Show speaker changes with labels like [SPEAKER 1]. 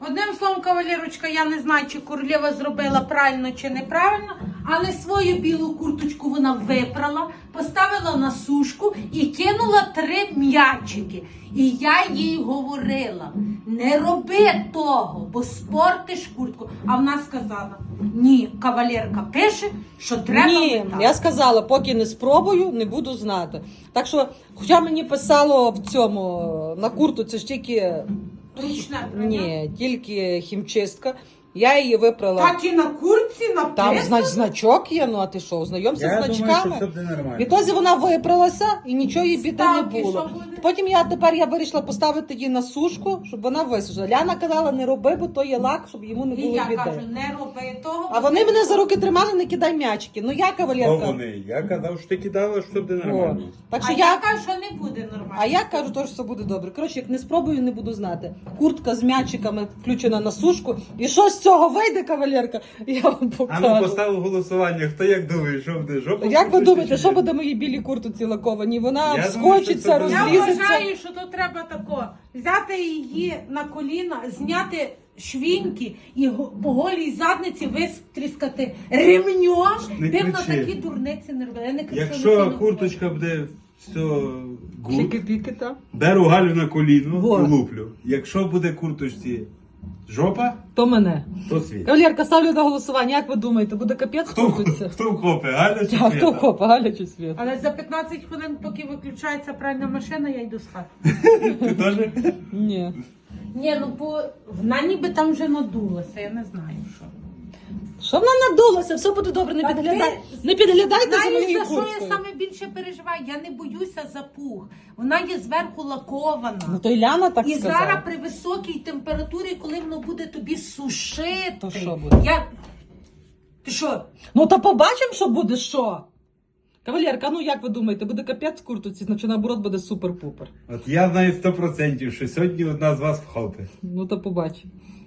[SPEAKER 1] Одним словом, кавалерочка, я не знаю, чи королева зробила правильно чи неправильно, але свою білу курточку вона випрала, поставила на сушку і кинула 3 м'ячики. І я їй говорила, не роби того, бо спортиш куртку. А вона сказала, ні, кавалерка пише, що треба
[SPEAKER 2] Ні,
[SPEAKER 1] метати.
[SPEAKER 2] я сказала, поки не спробую, не буду знати. Так що, хоча мені писало в цьому, на куртці ж тільки...
[SPEAKER 1] Ручне прання?
[SPEAKER 2] Ні, тільки хімчистка. Я її випрала.
[SPEAKER 1] Так і на куртці
[SPEAKER 2] Там
[SPEAKER 1] написано?
[SPEAKER 2] значок є, ну а ти що, знайомся з
[SPEAKER 3] Я думаю, що
[SPEAKER 2] значками?
[SPEAKER 3] це буде нормально.
[SPEAKER 2] Відтоді вона випралася і нічого їй біди не
[SPEAKER 1] Ставки,
[SPEAKER 2] було.
[SPEAKER 1] що буде?
[SPEAKER 2] Потім я вирішила поставити її на сушку, щоб вона висушила. Ляна казала, не роби, бо то є лак, щоб йому не
[SPEAKER 1] І
[SPEAKER 2] було
[SPEAKER 1] я
[SPEAKER 2] біди.
[SPEAKER 1] кажу, не роби того.
[SPEAKER 2] А вони мене за руки тримали, не кидай м'ячики. Ну я
[SPEAKER 3] Хто
[SPEAKER 2] кавалерка.
[SPEAKER 3] вони? Я казав, що ти кидала, що буде
[SPEAKER 2] О.
[SPEAKER 3] нормально.
[SPEAKER 2] Так
[SPEAKER 1] А
[SPEAKER 2] що
[SPEAKER 1] я кажу, що не буде нормально.
[SPEAKER 2] А я кажу, що все буде добре. Коротше, як не спробую, не буду знати. Куртка з м'ячиками включена на сушку. І що з цього вийде, кавалерка? Я вам
[SPEAKER 3] А ну
[SPEAKER 2] покажу.
[SPEAKER 3] поставив голосування. Хто як думає, що буде? Жопа?
[SPEAKER 2] Як ви
[SPEAKER 3] курточці
[SPEAKER 2] думаєте,
[SPEAKER 3] чи
[SPEAKER 2] що
[SPEAKER 3] ні?
[SPEAKER 2] буде моїй білій куртці лакованій? Вона
[SPEAKER 3] Я думаю,
[SPEAKER 2] вскочиться,
[SPEAKER 3] що це буде.
[SPEAKER 1] Я
[SPEAKER 2] розлізеться.
[SPEAKER 1] вважаю, що то треба тако, взяти її на коліна, зняти швіньки і по голій задниці вистріскати ремнем.
[SPEAKER 3] Не
[SPEAKER 1] Ти б на
[SPEAKER 3] кричи.
[SPEAKER 1] такі дурниці не робила. Я не кричу,
[SPEAKER 3] Якщо
[SPEAKER 1] не
[SPEAKER 3] курточка буде все гуд,
[SPEAKER 2] Чики-піки, так?
[SPEAKER 3] беру Галю на коліно
[SPEAKER 2] Во.
[SPEAKER 3] і луплю. Якщо буде курточці жопа,
[SPEAKER 2] То мене.
[SPEAKER 3] то світ.
[SPEAKER 2] Кавалерка, ставлю на голосування. Як ви думаєте, буде капець куртці?
[SPEAKER 3] Хто вкопе? Галя чи
[SPEAKER 2] А хто
[SPEAKER 3] Свята?
[SPEAKER 2] копа, Галя чи Світ?
[SPEAKER 1] Але за 15 хвилин, поки виключається пральна машина, я йду спати.
[SPEAKER 3] Ти теж?
[SPEAKER 2] Ні.
[SPEAKER 1] Ні, ну бо вона ніби там вже надулася, я не знаю що.
[SPEAKER 2] Що вона надулася? Все буде добре, не
[SPEAKER 1] Та
[SPEAKER 2] підглядай.
[SPEAKER 1] ти
[SPEAKER 2] Не підглядайте за
[SPEAKER 1] Знаєш,
[SPEAKER 2] моєю
[SPEAKER 1] за що я
[SPEAKER 2] курткою.
[SPEAKER 1] саме більше переживаю? Я не боюся за пух. Вона є зверху лакована.
[SPEAKER 2] Ну то й Ляна так
[SPEAKER 1] І
[SPEAKER 2] сказала.
[SPEAKER 1] зараз при високій температурі, коли воно буде тобі сушити.
[SPEAKER 2] То що буде?
[SPEAKER 1] Ти що?
[SPEAKER 2] Ну та побачимо, що буде що. Кавалерка, ну як ви думаєте, буде капець в куртці, значить наоборот буде супер-пупер.
[SPEAKER 3] От я знаю 100%, що сьогодні одна з вас вхопить.
[SPEAKER 2] Ну то побачимо.